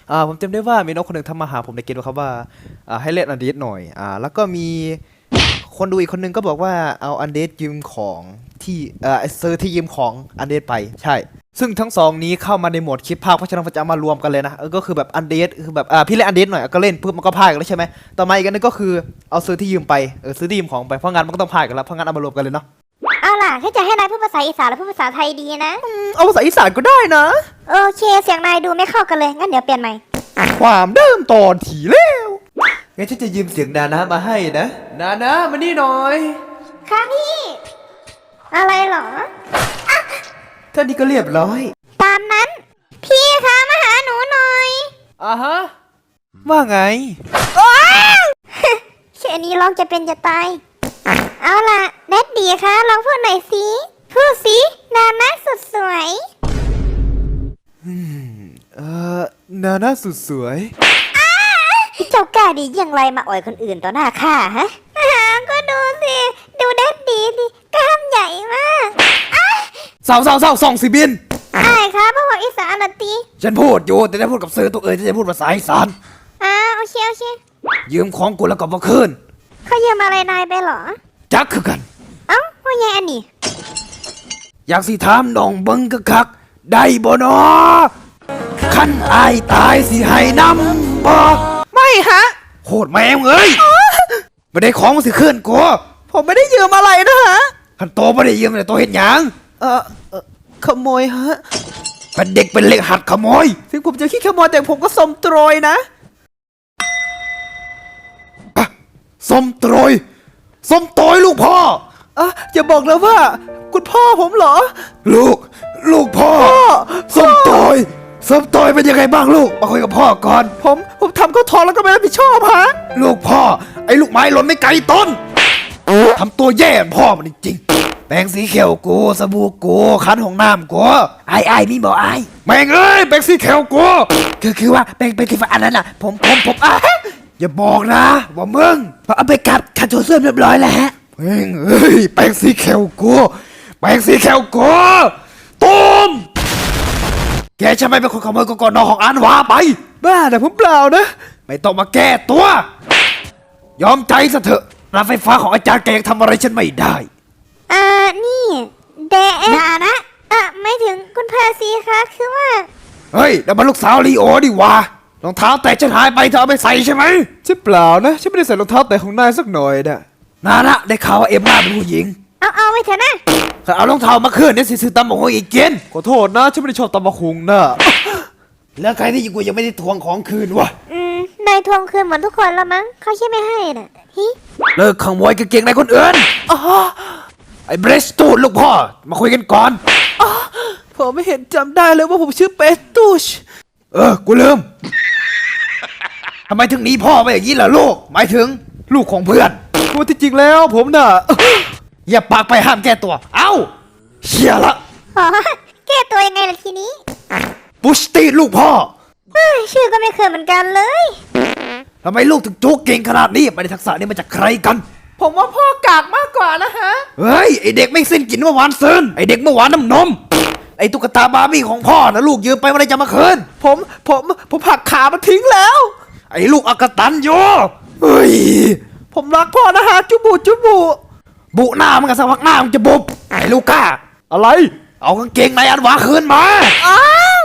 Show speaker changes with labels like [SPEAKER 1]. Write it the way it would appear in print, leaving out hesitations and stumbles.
[SPEAKER 1] ผมจำได้ว่ามีน้องคนหนึ่งทำมาหาผมในเกมนะครับว่าให้เล่นอันเดดหน่อยแล้วก็มีคนดูอีกคนนึงก็บอกว่าเอาอันเดดยืมของที่เซอร์ที่ยืมของอันเดดไปใช่ซึ่งทั้งสองนี้เข้ามาในโหมดคลิปภาคเพราะฉะนั้นผมจะเอามารวมกันเลยนะก็คือแบบอันเดดคือแบบพี่เล่นอันเดดหน่อยก็เล่นปุ๊บมันก็พากกันแล้วใช่ไหมต่อมาอีกอันนึงก็คือเอาซื้อที่ยืมไปซื้อที่ยืมของไปเพราะงั้นมันก็ต้องพากกันแล้วเพราะงั้นเอามารวมกันเลยเนาะ
[SPEAKER 2] เอาล่ะถ้าจะให้นายพูดภาษาอีสานหรือพูดภาษาไทยดีนะ
[SPEAKER 1] เอาภาษาอีสานก็ได้นะ
[SPEAKER 2] โอเคเสียงนายดูไม่เข้ากันเลยงั้นเดี๋ยวเปลี่ยนใหม่
[SPEAKER 1] ความเดิมตอนถี่แล้วงั้นฉันจะยืมเสียงนานะมาให้นะนานะมานี่หน่อย
[SPEAKER 2] ค่ะพี่อะไรเหรอ
[SPEAKER 1] ท่านี้ก็เรียบร้อย
[SPEAKER 2] ตามนั้นพี่คะมาหาหนูหน่อย
[SPEAKER 1] ฮะว่าไง
[SPEAKER 2] แค่นี้ร้องจะเป็นจะตายเอาล่ะแดดดี้คะลองพูดหน่อยสิพูดสินานะสุดสวย
[SPEAKER 1] นานะสุดสวย
[SPEAKER 2] เจ้ากล้าดีอย่างไรมาอ่อยคนอื่นต่อหน้าข้าฮะก็ดูสิดูแดดดี้สิกล้ามใหญ่มาก
[SPEAKER 1] เศร้าส่องสิบิน
[SPEAKER 2] ใช่ครับพ่ออีสานนะตี
[SPEAKER 1] ฉันพูดอยู่แต่ได้พูดกับสื่อตัวฉันจะพูดภาษาอีสาน
[SPEAKER 2] โอเค
[SPEAKER 1] ยืมของกูแล้วก็มาคืน
[SPEAKER 2] เขายืมอะไรนายไปเหรอ
[SPEAKER 1] จักคือกัน
[SPEAKER 2] ว่าไงอันนี้
[SPEAKER 1] อยากสิถามน้องเบิ้งคักได้บ่นอคันอายตายสิให้นำบ่ไม่ฮะโคตรแม่งเอ้ยไม่ได้ของมันสิคืนกูผมไม่ได้ยืมอะไรนะฮะคันโตไม่ได้ยืมแต่โตเห็นหยังขโมยฮะเป็นเด็กเป็นเล็กหัดขโมยถึงผมจะขี้ขโมยแต่ผมก็สมโตรยนะสมโตรยลูกพ่ออย่าบอกนะว่าคุณพ่อผมเหรอลูกพ่อสมโตรยเป็นยังไงบ้างลูกมาคุยกับพ่อก่อนผมทำเขาท้องแล้วก็ไม่รับผิดชอบฮะลูกพ่อไอ้ลูกไม้หล่นไม่ไกลต้นทำตัวแย่พ่อมันจริงๆแปรงสีเขียวกูสบู่กูคันของน้ำกูไอ้มีบอกไอ้แม่งเอ้ยแปรงสีเขียวกูคือว่าแปรงสีฟ้าอันนั้นน่ะผมอย่าบอกนะว่ามึงเอาไปกัดขัดโถส้วมเรียบร้อยแล้วฮะแม่งเอ้ยแปรงสีเขียวกูตุ้มแกใช่ไหมเป็นคนขโมยกนของอันวาไปบ้าแต่ผมเปล่านะไม่ต้องมาแก้ตัวยอมใจซะเถอะรถไฟฟ้าของอาจารย์แกยังทำอะไรฉันไม่ได้
[SPEAKER 2] นี่เดนะไม่ถึงคุณเพอร์ซีคะคือว่า
[SPEAKER 1] เฮ้ยแล้วมันลูกสาวลีโอดิวะรองเท้าแตะฉันหายไปเธอเอาไปใส่ใช่ไหมใช่เปล่านะฉันไม่ได้ใส่รองเท้าแตะของนายสักหน่อยนะได้ข่าวว่าเอ็มม่าเป็นผู้หญิง
[SPEAKER 2] เอาไว้เถอะนะ
[SPEAKER 1] เอารองเท้ามาคืนเนี่ยซื้อตำบักหุ่งอีกเจนขอโทษนะฉันไม่ได้ชอบตำบักหุ่งนะแล้วใครที่กูยังไม่ได้ทวงของคืนวะ
[SPEAKER 2] นายทวงคืนเหมือนทุกคนแล้วมั้งเขาใช่ไม่ให้น่ะ
[SPEAKER 1] เลิกขโมยกางเกงในคนอื่นไอ้เบรสตูดลูกพ่อมาคุยกันก่อนผมไม่เห็นจำได้เลยว่าผมชื่อเปตูชกูลืมทำไมถึงหนีพ่อไปอย่างนี้ล่ะลูกหมายถึงลูกของเพื่อนพูดที่จริงแล้วผมน่ะอย่าปากไปห้ามแก้ตัวเชี่ยละ
[SPEAKER 2] แก้ตัวยังไงล่ะทีนี้
[SPEAKER 1] บุชตีลูกพ่อ
[SPEAKER 2] ชื่อก็ไม่เคยเหมือนกันเลย
[SPEAKER 1] ทำไมลูกถึงจุกเก่งขนาดนี้ไปในทักษะนี้มาจากใครกันผมว่าพ่อกากมากกว่านะฮะเฮ้ยไอเด็กไม่สิ้นกินเมื่อวานซึนไอเด็กเมื่อวานน้ำนมไอตุ๊กตาบาร์บี้ของพ่อนะลูกยืมไปเมื่อไรจะมาคืนผมหักขามันทิ้งแล้วไอลูกอกตันโยเฮ้ยผมรักพ่อนะฮะจุบุหน้ามันกับสักพักหน้ามันจะบุบไอลูกก้าอะไรเอากางเกงในอันวาคืนมา